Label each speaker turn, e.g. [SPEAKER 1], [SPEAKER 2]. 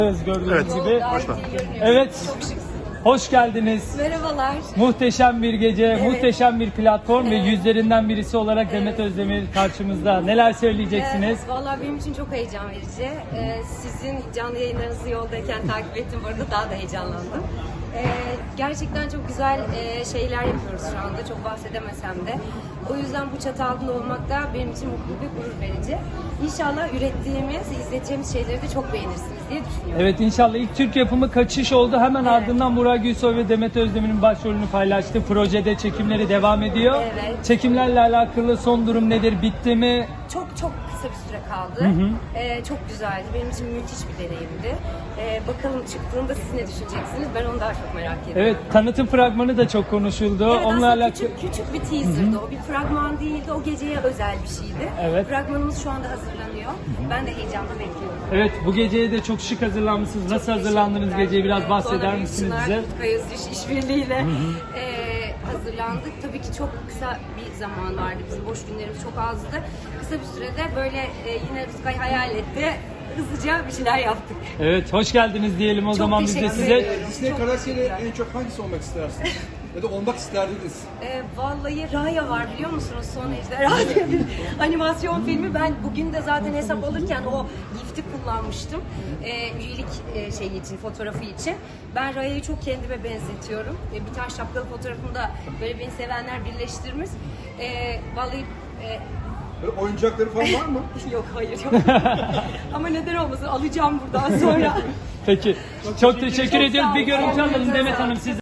[SPEAKER 1] Gördüğünüz
[SPEAKER 2] Evet.
[SPEAKER 1] gibi.
[SPEAKER 2] Başla.
[SPEAKER 1] Evet. Hoş geldiniz.
[SPEAKER 3] Merhabalar.
[SPEAKER 1] Muhteşem bir gece,
[SPEAKER 3] Evet.
[SPEAKER 1] muhteşem bir platform ve
[SPEAKER 3] Evet.
[SPEAKER 1] yüzlerinden birisi olarak Demet Özdemir karşımızda. Neler söyleyeceksiniz?
[SPEAKER 3] Vallahi benim için çok heyecan verici. Sizin canlı yayınlarınızı yoldayken takip ettim. Bu arada daha da heyecanlandım. Gerçekten çok güzel şeyler yapıyoruz şu anda. Çok bahsedemesem de. O yüzden bu çatı altında olmak da benim için mutlu ve gurur verici. İnşallah ürettiğimiz, izleteceğimiz şeyleri de çok beğenirsiniz diye düşünüyorum.
[SPEAKER 1] Evet, inşallah ilk Türk yapımı Kaçış oldu. Hemen
[SPEAKER 3] Evet.
[SPEAKER 1] ardından Burak Gülsoy ve Demet Özdemir'in başrolünü paylaştı. Projede çekimleri devam ediyor.
[SPEAKER 3] Evet.
[SPEAKER 1] Çekimlerle alakalı son durum nedir? Bitti mi?
[SPEAKER 3] Çok kısa bir süre kaldı. Çok güzeldi. Benim için müthiş bir deneyimdi. Bakalım çıktığında siz ne düşüneceksiniz? Ben onu daha çok merak ediyorum.
[SPEAKER 1] Evet, tanıtım fragmanı da çok konuşuldu.
[SPEAKER 3] Evet,
[SPEAKER 1] Onunla
[SPEAKER 3] aslında
[SPEAKER 1] alakalı...
[SPEAKER 3] küçük bir teaser'dı o. Bir fragman değildi. O geceye özel bir şeydi.
[SPEAKER 1] Evet.
[SPEAKER 3] Fragmanımız şu anda hazırlanıyor. Ben de heyecanla bekliyorum.
[SPEAKER 1] Evet, bu geceye de çok şık hazırlanmışsınız. Nasıl hazırlandınız
[SPEAKER 3] Teşekkürler.
[SPEAKER 1] geceye? Biraz bahseder
[SPEAKER 3] Sonra
[SPEAKER 1] misiniz
[SPEAKER 3] Büyük
[SPEAKER 1] bize?
[SPEAKER 3] Çınar, Rutkay Özdiş işbirliğiyle hazırlandık. Tabii ki çok kısa bir zaman vardı. Bizim boş günlerimiz çok azdı. Kısa bir sürede böyle yine Rutkay hayal etti. Hızlıca bir şeyler yaptık.
[SPEAKER 1] Evet, hoş geldiniz diyelim o
[SPEAKER 3] Çok
[SPEAKER 1] zaman biz de
[SPEAKER 3] teşekkür
[SPEAKER 1] size.
[SPEAKER 3] ediyorum.
[SPEAKER 4] Disney
[SPEAKER 3] Çok
[SPEAKER 4] karakteri
[SPEAKER 3] teşekkürler.
[SPEAKER 4] en çok hangisi olmak istersiniz? Ya da olmak isterdiniz?
[SPEAKER 3] Vallahi Raya var biliyor musunuz? Son Ejderha diye bir animasyon filmi. Ben bugün de zaten hesap alırken o gifti kullanmıştım. Üyelik şeyi için, fotoğrafı için. Ben Raya'yı çok kendime benzetiyorum. Bir tane şapkalı fotoğrafımda böyle beni sevenler birleştirmiş. Vallahi
[SPEAKER 4] Böyle oyuncakları falan var mı?
[SPEAKER 3] yok hayır yok. Ama neden olmasın alacağım buradan sonra.
[SPEAKER 1] Peki, çok teşekkür
[SPEAKER 3] Çok
[SPEAKER 1] ediyoruz.
[SPEAKER 3] sağ
[SPEAKER 1] Bir
[SPEAKER 3] olun.
[SPEAKER 1] görüntü alalım
[SPEAKER 3] Çok
[SPEAKER 1] Demet
[SPEAKER 3] sağ olun.
[SPEAKER 1] Hanım siz.